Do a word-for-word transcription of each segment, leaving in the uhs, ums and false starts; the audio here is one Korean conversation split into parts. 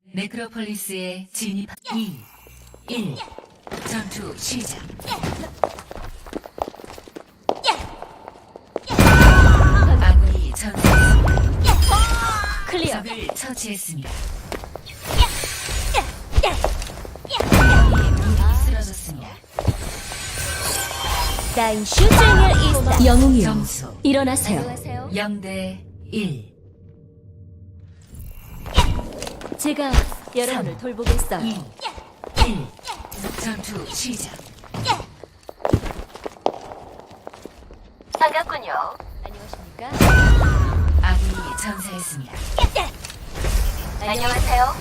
네크로폴리스에 진입. 이, 일. 전투 시작. 아군이 전사했습니다. 클리어. 적을 처치했습니다. 아군이 쓰러졌습니다. 나인 슈쟁의 이스타. 영웅이여, 점수 일어나세요. 영 대 일. 제가 여러분을 돌보겠어요. 이, 일. 전투 시작. 반갑군요. 안녕하십니까? 아군이 전사했습니다. 안녕하세요.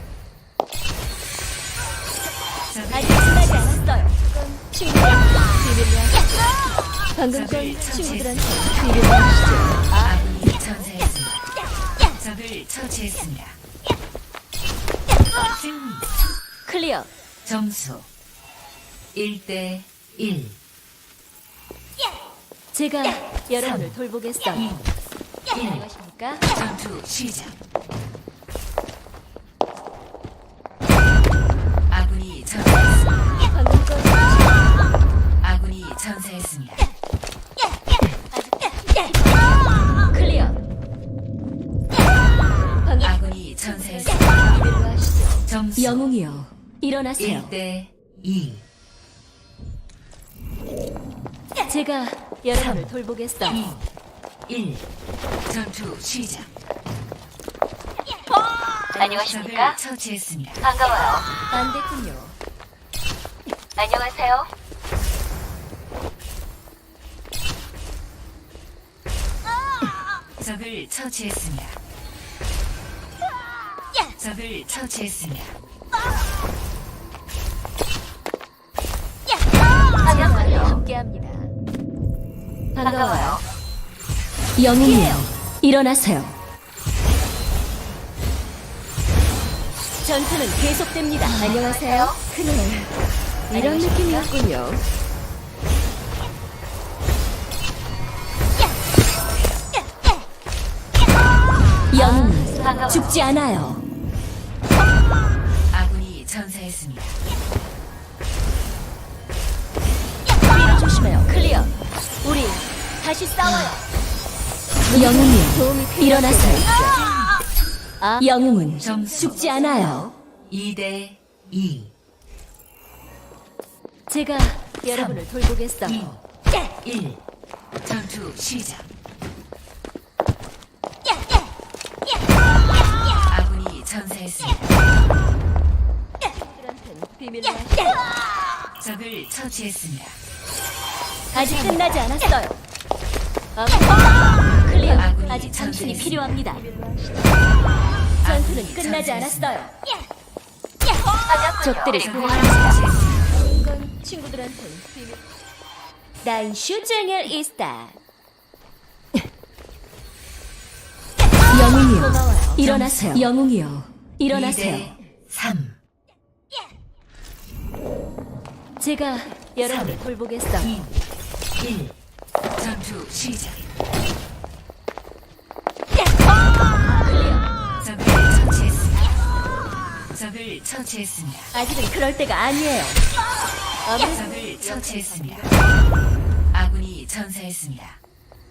적을 아직 끝나지 않았어요. 친구들, 비밀로 하시죠. 방금 전 적을 친구들한테 처치했습니다. 비밀로 하시죠. 아군이 전사했습니다. 적을 처치했습니다. 승리. 클리어. 점수 일 대 일. 제가 여러분을 돌보겠어요. 이, 일. 안녕하십니까? 전투 시작. 아군이 전사했습니다. 방금 전 아군이 전사했습니다. 클리어. 방금 아군이 전사했습니다. 비밀로 하시죠. 점수 영웅이여, 일어나세요. 일 대 이. 제가 여러분을 돌보겠어요. 이, 일. 전투 시작. 안녕하십니까? 적을 처치했습니다. 반가워요. 안 됐군요. 안녕하세요. 적을 처치했습니다. 적을 처치했습니다. 반갑군요. 함께합니다. 반가워요. 영웅이여, 일어나세요. 전투는 계속됩니다. 안녕하세요. 그래, 이런 느낌이었군요. 영웅은 죽지 않아요. 아군이 전사했습니다. 뒤로 조심해요. 클리어. 우리 다시 싸워요. 영웅이여, 일어나세요. 아, 영웅은 점수 죽지 않아요. 이 대 이. 제가 여러분을 돌보겠어요. 이, 일. 전투 시작. 아군이 전사했습니다. 비밀로 하시죠. 적을 처치했습니다. 아직 끝나지 않았어요. 아, 클리어. 아군이 아직 당신이 전사했습니다. 필요합니다. 전투는 아군이 끝나지 전사했습니다. 않았어요. 적들을 적을 구원합니다. 처치했습니다. 이건 친구들한테는 비밀. 나인 슈쟁을 이스타. 영웅이여, 고마워요. 일어나세요. 영웅이여, 이 일어나세요. 대 삼. 제가 여러분을 돌보겠어요. 이, 일. 전투 시작. 클리어. 적을 처치했습니다. 적을 처치했습니다. 아직은 그럴 때가 아니에요. 아무래도 적을 처치했습니다. 아군이 전사했습니다.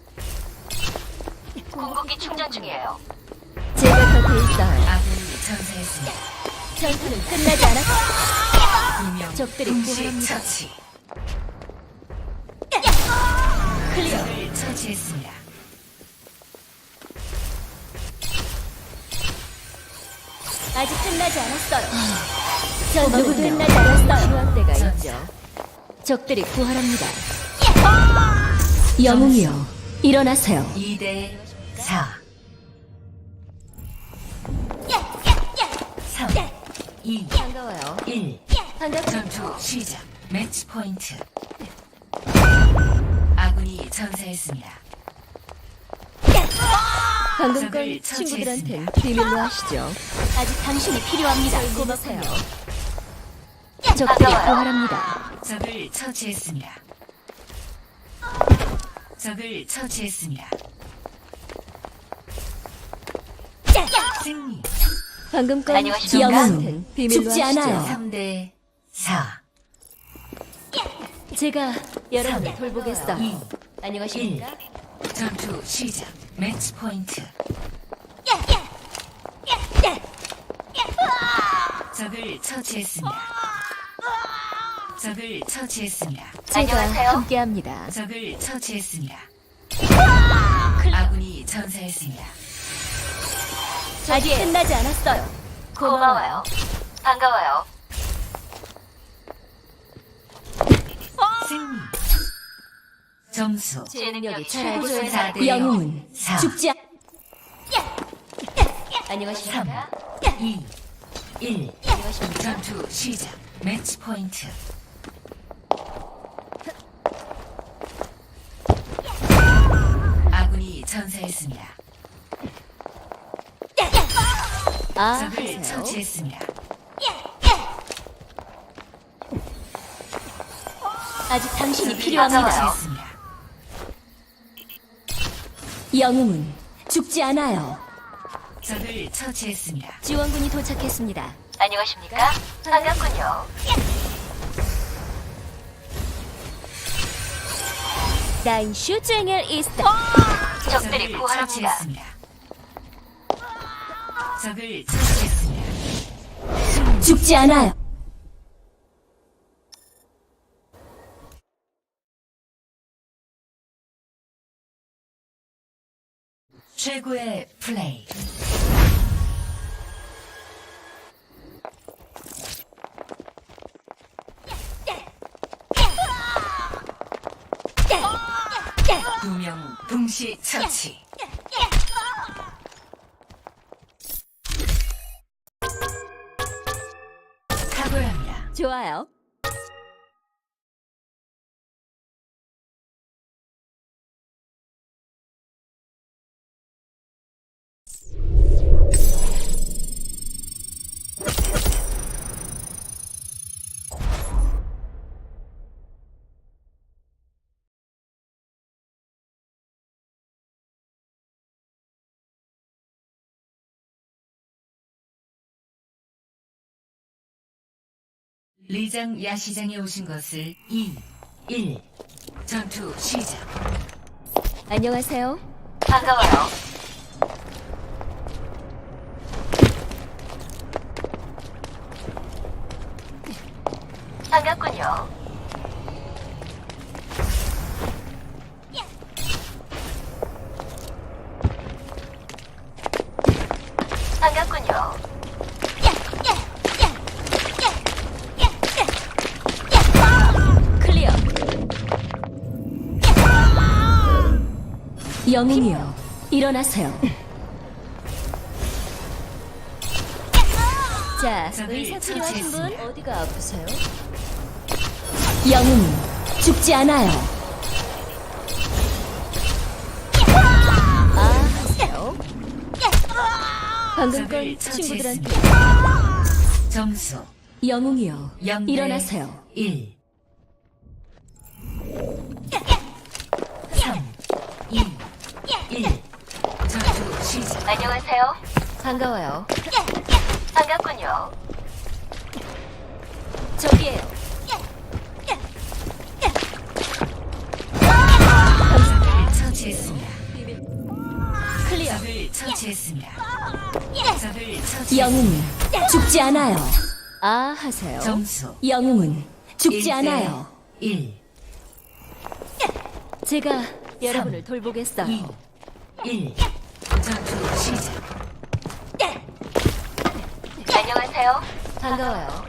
궁극기 충전 중이에요. 제가 곁에 있어요. 아군이 전사했습니다. 전투는 끝나지 않았어. 분명 적들이 동시 구원합니다. 처치. 클리어. 적을 처치했습니다. 아직 끝나지 않았어요. 전투는 끝나지 않았어요. 필요한 때가 있죠. 적들이 구하랍니다. 영웅이여, 일어나세요. 이 대 사. 삼, 이, 반가워요. 일. 반갑습니다. 전투 시작. 매치 포인트. 아군이 전사했습니다. 방금 적을 건 친구들한텐 처치했습니다. 비밀로 하시죠. 아직 당신이 필요합니다. 고마세요. 적들이 구하랍니다. 적을 처치했습니다. 적을 처치했습니다. 승리. 방금 건 안녕하십니까? 영웅은 비밀로 죽지 하시죠. 않아요. 삼 대 사, 제가 여러분을 돌보겠어. 이, 안녕하십니까? 전투 시작. 매치 포인트. 적을 처치했습니다. 적을 처치했습니다. 제가 안녕하세요. 함께합니다. 적을 처치했습니다. 아군이 전사했습니다. 아직 끝나지 않았어요. 고마워요. 반가워요. 승리. 점수 제 능력이 최고조에 최고조에 사 대 영웅은 사, 죽지 않... 안녕하십니까? 이, 일. 안녕하십니까? 전투 시작. 매치 포인트. 아군이 전사했습니다. 아, 적을 하세요. 처치했습니다. 아직 당신이 적을 필요합니다. 처치했습니다. 영웅은 죽지 않아요. 적을 처치했습니다. 지원군이 도착했습니다. 안녕하십니까? 반갑군요. 나인 슈쟁엘 이스트. 적들이 적을 부활합니다. 처치했습니다. 적을 처치했습니다. 죽지 않아요. 최고의 플레이. 두 명 동시 처치. 탁월합니다. 좋아요. 리장 야시장에 오신 것을 이, 일. 전투 시작. 안녕하세요. 반가워요. 반갑군요. 반갑군요. 클리어. 영웅이요. 일어나세요. 자, 적을 의사 필요하신 분 처치했습니다. 어디가 아프세요? 영웅은 죽지 않아요. 아, 하세요. 방금 적을 건 친구들한테 처치했습니다. 점수 영웅이요. 영 대 일어나세요. 일. 삼, 이, 일. 전투 시작. 안녕하세요. 반가워요. 반갑군요. 저기에요. 적을 처치했습니다. 클리어. 적을 처치했습니다. 적을 처치. 영웅은 죽지 않아요. 아, 하세요. 점수 영웅은 죽지 일 대 않아요. 일. 제가 여러분을 돌보겠어요. 이, 일. 전투 시작. 안녕하세요. 반가워요.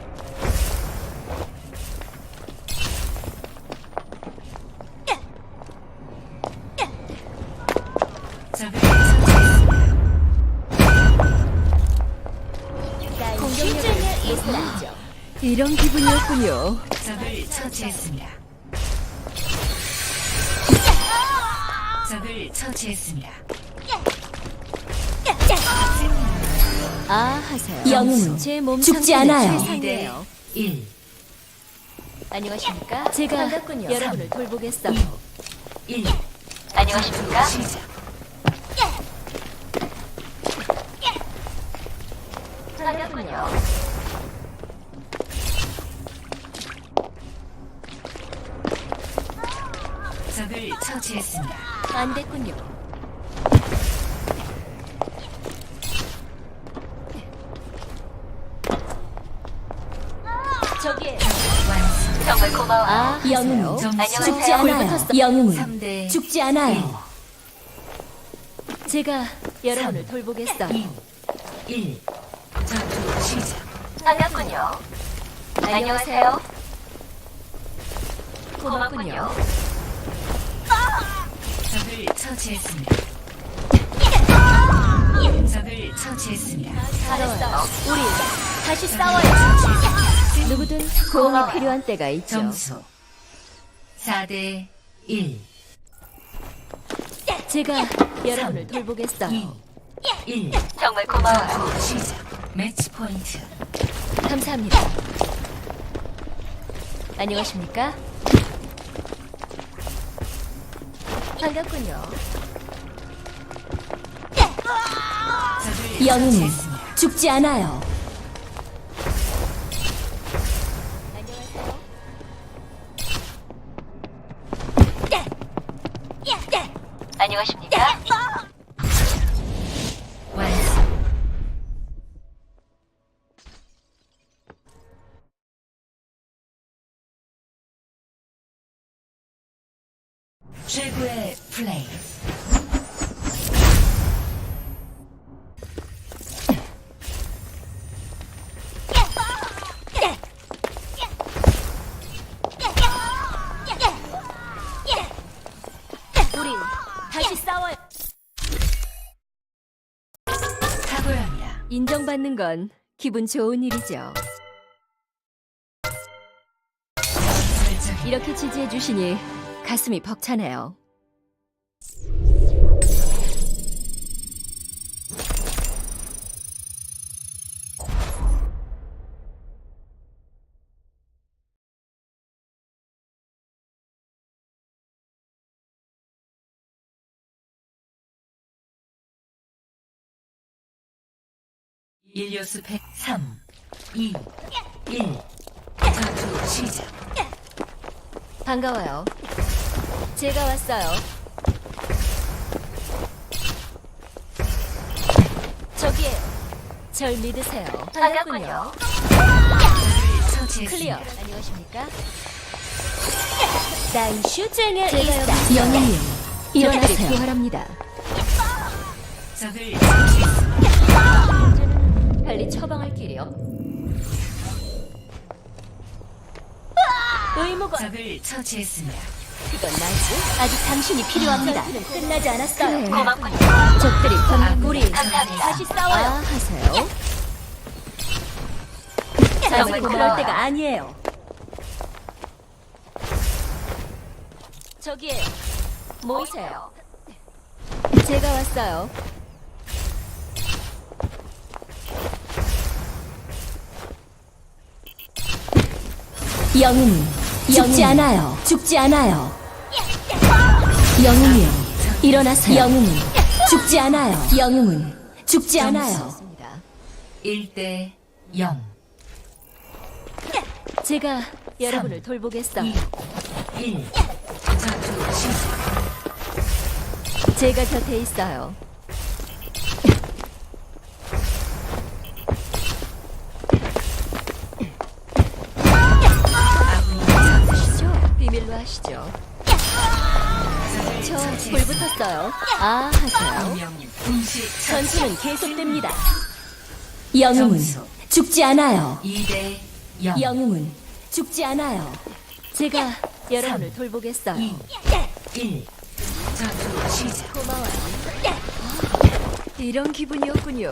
적을 처치했습니다. 공격력을 예상하죠. 이런 기분이었군요. 적을 처치했습니다. 적을 처치했습니다. 아, 하세요. 영웅은 제 몸 죽지 상태는 않아요. 최상이에요. 일. 안녕하십니까? 제가 반갑군요. 여러분을 돌보겠어요. 일. 안녕하십니까? 시작. 반갑군요. 적을 처치했습니다. 안 됐군요. 저기에 완성. 정말 고마워요. 아, 영웅 점수 죽지 않아요. 영웅은 삼 대 죽지 않아요. 제가 여러분을 돌보겠어요. 이, 일. 전투 시작. 반갑군요. 안녕하세요. 고맙군요. 적을 처치했습니다. 적을 처치했습니다. 잘했어요. 우리 다시 싸워요. 누구든 도움이 필요한 때가 있죠. 점수 사 대 일. 제가 여러분을 돌보겠어요. 이, 일. 정말 고마워요. 전투 시작. 매치 포인트. 감사합니다. 안녕하십니까? 반갑군요. 적을 영웅은 처치했습니다. 죽지 않아요. 안녕하세요. 안녕하십니까? 완성. 최고의 플레이. 우리 다시 싸워요. 탁월합니다. 인정받는 건 기분 좋은 일이죠. 설정. 이렇게 지지해 주시니 가슴이 벅차네요. 일요수 백 삼, 이, 일. 전투 시작. 반가워요. 제가 왔어요. 저기에 절 믿으세요. 반갑군요. 적을 처치했습니다. 클리어. 안녕하십니까? 난 슈쟁의 일사. 영웅이요. 일어나세요. 부활합니다. 적을 처치했습니다. 이제는 빨리 처방할 길이요. 의무가 적을 처치했습니다. 그건 나지. 아직 당신이 필요합니다. 끝나지 않았어요. 고맙군요. 적들이 건 우리 감사합니다. 다시 싸워요. 아, 하세요. 아직 정말 그럴 고마워요. 때가 아니에요. 저기에 모이세요. 제가 왔어요. 영웅은 죽지 않아요. 죽지 않아요. 영웅이요. 일어나세요. 영웅은 죽지 않아요. 영웅은 죽지 않아요. 일 대 영. 제가 여러분을 돌보겠어요. 이, 일. 전투 시작. 제가 곁에 있어요. 아군이 전투 하시죠. 비밀로 하시죠. 저 불 붙었어요. 아, 하세요. 명님 공식 전투는 계속됩니다. 영웅은 점수. 죽지 않아요. 이 대 영. 영웅은 죽지 않아요. 제가 여러분을 돌보겠어요. 이, 일. 전투 시작. 고마워요. 이런 기분이었군요.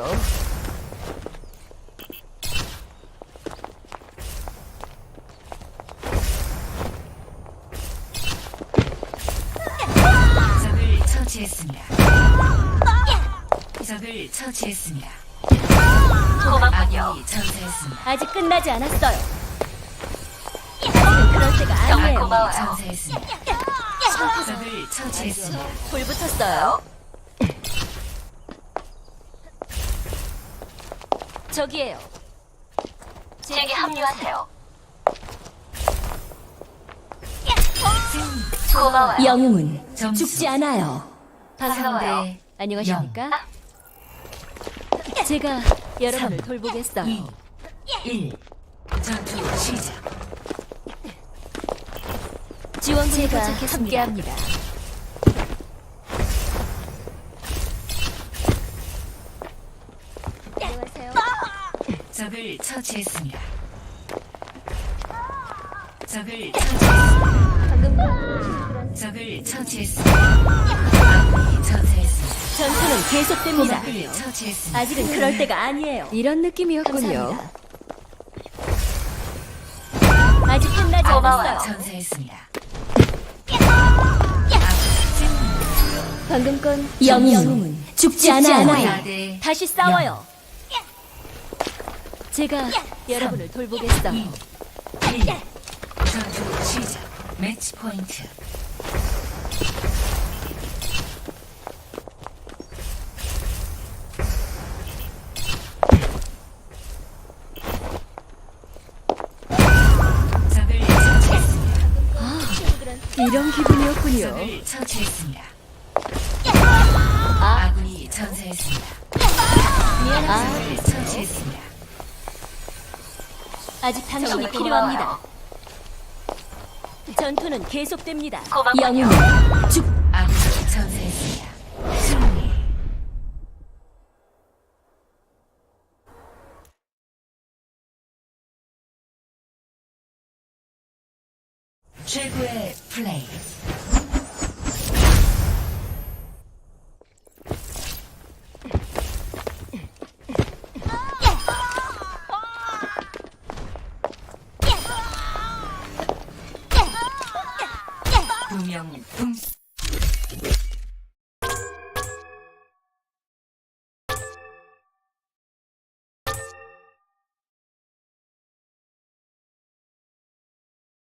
적을 처치했습니다. 적을 처치했습니다. 고맙군요. 아군이 전사했습니다. 아직 끝나지 않았어요. 아직은 그럴 때가 정말 아니에요. 고마워요. 전사했습니다. 적을 처치했습니다. 불 붙었어요. 저기에요. 제게 합류하세요. 승리. 고마워요. 영웅은 점수. 죽지 않아요. 반가워요. 안녕하십니까? 제가 여러분을 돌보겠어요. 이, 일. 전투 시작. 지원군이 도착했습니다. 함께합니다. 안녕하세요. 적을 처치했습니다. 적을 처치했습니다. 방금 적을 처치했습니다. 아군이 전사했습니다. 전투는 계속됩니다. 적을 처치했습니다. 아직은 그럴 때가 아니에요. 이런 느낌이었군요. 아직 끝나지 고마워요. 않았어요. 전사했습니다. 아군 승리. 방금 건 영웅은 죽지 않아요. 사 대 다시 싸워요. 제가 여러분을 돌보겠어요. 이, 일. 전투 시작. 매치 포인트. 적을 처치했습니다. 이런 기분이었군요. 적을 처치했습니다. 아, 아군이 전사했습니다. 미안합니다. 적을 처치했습니다. 아직 당신이 정말 필요합니다. 고마워요. 전투는 계속됩니다. 고맙군요. 영웅은 죽. 아군이 전사했습니다. 승리. 최고의 플레이. 두명 분